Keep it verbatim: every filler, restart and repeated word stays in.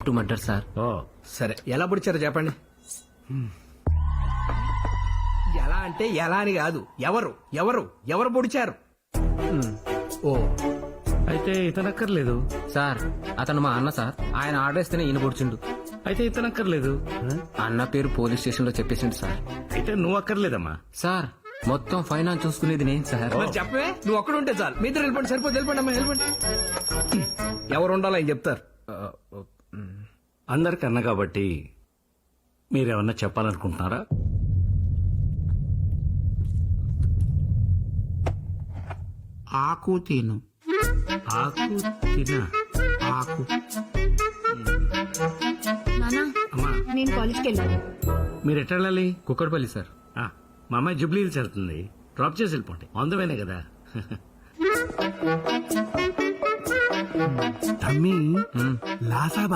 To murder sir. ఓ సరే ఎలా పొడిచారో చెప్పండి. ఎలా అంటే ఎలా అని కాదు, ఎవరు ఎవరు ఎవరు పొడిచారు? ఓ అయితే ఇతనక్కర్లేదు. సార్ అతను మా అన్న సార్. ఆయన ఆర్డర్ ఇస్తేనే ఈయన పొడిచిండు. అయితే ఇతనక్కర్లేదు. అన్న పేరు పోలీస్ స్టేషన్ లో చెప్పేసిండు సార్. అయితే నువ్వు అక్కర్లేదమ్మా. సార్ మొత్తం ఫైనాన్స్ చూసుకునేది నేను సార్. మరి చెప్పే, నువ్వు ఒక్కడు ఉంటే చాలు. మీ ఇద్దరు వెళ్ళిపోండి, సరిపోతే వెళ్ళిపోండి అమ్మా, వెళ్ళిపోండి. ఎవరు ఉండాలో ఆయన చెప్తారు. అందరికి అన్న కాబట్టి మీరేమన్నా చెప్పాలనుకుంటున్నారా? ఆకు తిను. ఆకు తినా? ఆకు నానా అమ్మా నేను కాలేజ్కి వెళ్ళాను. మీరు ఎట్లా వెళ్ళాలి? కుక్కడపల్లి సార్. ఆ, మా అమ్మాయి జూబ్లీ హిల్స్ వెళ్తుంది. డ్రాప్ చేసి వెళ్ళిపోండి. అందమేనే కదా. తమ్మి మ్. లాసాబ్